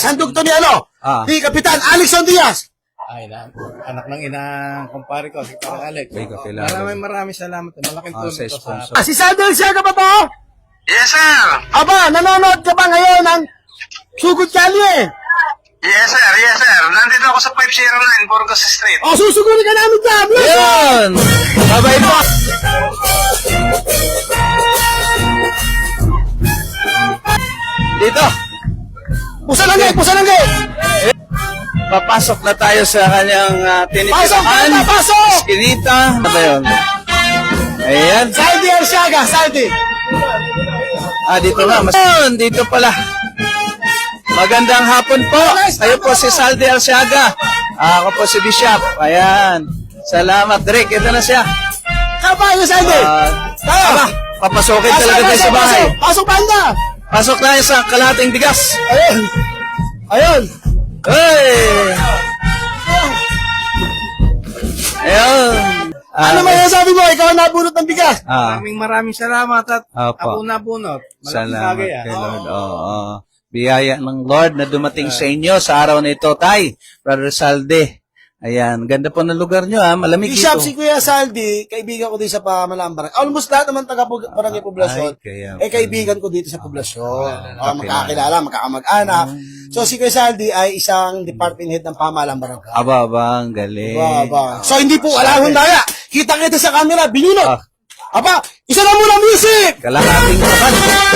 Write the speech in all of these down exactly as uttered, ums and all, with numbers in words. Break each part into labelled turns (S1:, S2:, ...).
S1: Handog to ni ano?
S2: Ah.
S1: Ni Kapitan Alexon Diaz.
S3: Ay, na, anak ng inang kumpare ko, si Parang Alex.
S2: Ay, kakilala.
S3: Maraming maraming salamat. Malaking
S2: Ah,
S3: tulong
S2: sa
S3: to sa...
S2: sponsor.
S1: Ah, si Sandal siya ka ba to?
S4: Yes, sir.
S1: Aba, nanonood ka ba ngayon ng Sugod Kalye?
S4: Yes, sir. Yes, sir. Nandito ako sa five oh nine Burgos Street.
S1: O, susugurin ka namin dyan.
S2: Yun! Bye-bye po! Dito!
S1: Pusa lang gate, pusa lang gate.
S2: Papasok na tayo sa kanyang uh,
S1: Pasok,
S2: tinitirahan.
S1: pasok, pasok.
S2: Eskinita. Ano ba yun? Ayan.
S1: Saldi Arsiaga, Saldi.
S2: Ah, dito na. Mas... Yun, dito pala. Magandang hapon po. Kayo po si Saldi Arsiaga. Ah, ako po si Bishop. Ayan. Salamat, Rick. Ito na siya.
S1: Kapa, yung Saldi.
S2: Ah,
S1: Tayo.
S2: aba, papasokin
S1: Pasok,
S2: talaga tayo
S1: pasok,
S2: sa bahay.
S1: pasok. Pasok, banda.
S2: Pasok tayo sa kalahating bigas.
S1: Ayun. Ayun.
S2: Hey! Ayun.
S1: Ano
S2: Ah,
S1: may sabi mo? Ikaw ang nabunot ng bigas.
S2: Ah,
S3: Maraming maraming salamat at
S2: Opo.
S3: ako nabunot. Malaking
S2: salamat
S3: bagay, ah.
S2: kay Lord. Oo. Biyaya ng Lord na dumating sa inyo sa araw na ito, Tay. Brother Salde. Ayan. Ganda po ng lugar nyo, ha. Malamig
S1: Bishop,
S2: dito.
S1: si Kuya Saldi, kaibigan ko din sa Pamalang Barangay. Almost lahat naman taga Pug- Barangay Poblasyon.
S2: Ay, kaya
S1: Eh, kaibigan ko dito sa Poblasyon.
S2: Ah,
S1: Oh, magkakilala, magkakamag-anak. So, si Kuya Saldi ay isang department head ng Pamalang Barangay.
S2: Aba, aba, ang galing.
S1: Aba, aba. So, hindi po wala akong daya. Kita-kita sa camera, binunot.
S2: Ah.
S1: Aba, isa na muna music!
S2: Kalahating kapan.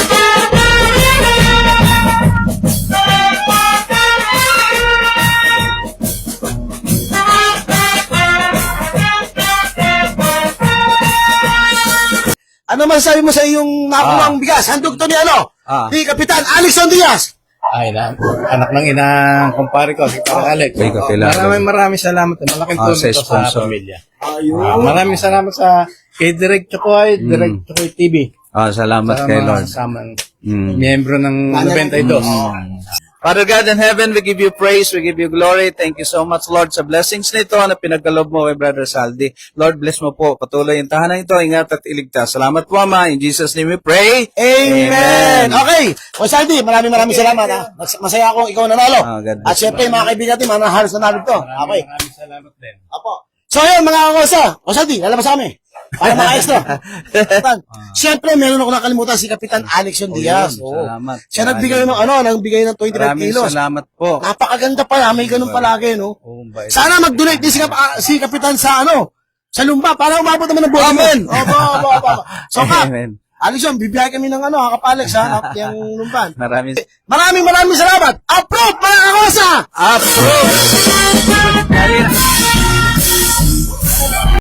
S1: Ano masasabi mo sa iyong nakulang bigas? Handog to ni ano?
S2: Ah.
S1: Ni Kapitan Alexon Diaz.
S3: Ay, na, anak ng inang kumpare ko, si Parang Alex.
S2: Ay, kakilala.
S3: Maraming maraming salamat. Malaking
S2: Ah,
S3: tulong
S2: sa
S3: to sa
S2: sponsor.
S3: pamilya.
S1: Ayun.
S3: Ah, maraming salamat sa kay Direk Chokoy,
S2: Mm.
S3: Direk Chokoy T V.
S2: Ah, salamat
S3: Sa
S2: kay
S3: mga
S2: Lord.
S3: kasamang
S2: Mm.
S3: miyembro ng ninety-two.
S2: Father God in heaven, we give you praise, we give you glory. Thank you so much, Lord, sa blessings nito na pinagkalob mo kay Brother Saldi. Lord, bless mo po. Patuloy yung tahanan ito. Ingat at iligtas. Salamat po, Ama. In Jesus' name we pray.
S1: Amen. Okay. O Saldi, maraming maraming salamat ha. Mas- Masaya akong ikaw nanalo.
S2: Ah, God
S1: At
S2: bless
S1: syempre, mga kaibigan natin, mga halos nanalo to. Okay.
S3: Maraming salamat din.
S1: Apo. So yun, mga kakosa. O Saldi, lalabas kami. Para mga extra. Kapitan. Siyempre, meron ako nakalimutan si Kapitan Alexon Diaz.
S2: yun.
S1: Oo.
S2: Salamat.
S1: Siya nagbigay ng ano, nagbigay ng twenty-five
S2: Maraming
S1: kilos.
S2: salamat po.
S1: Napakaganda pala, may ganun palagi, no?
S2: Oh, bait.
S1: Sana mag-donate din si, Kap- ah, si Kapitan sa ano, sa lumba, para umabot naman ng bote.
S2: Amen.
S1: Opo, opo, opo. So, Kap,
S2: Amen.
S1: Alexon, bibiyay kami ng ano, Kapalex, ha, Kap, yung lumban.
S2: Maraming
S1: Maraming maraming salamat. Approve, mga kakosa!
S2: approve.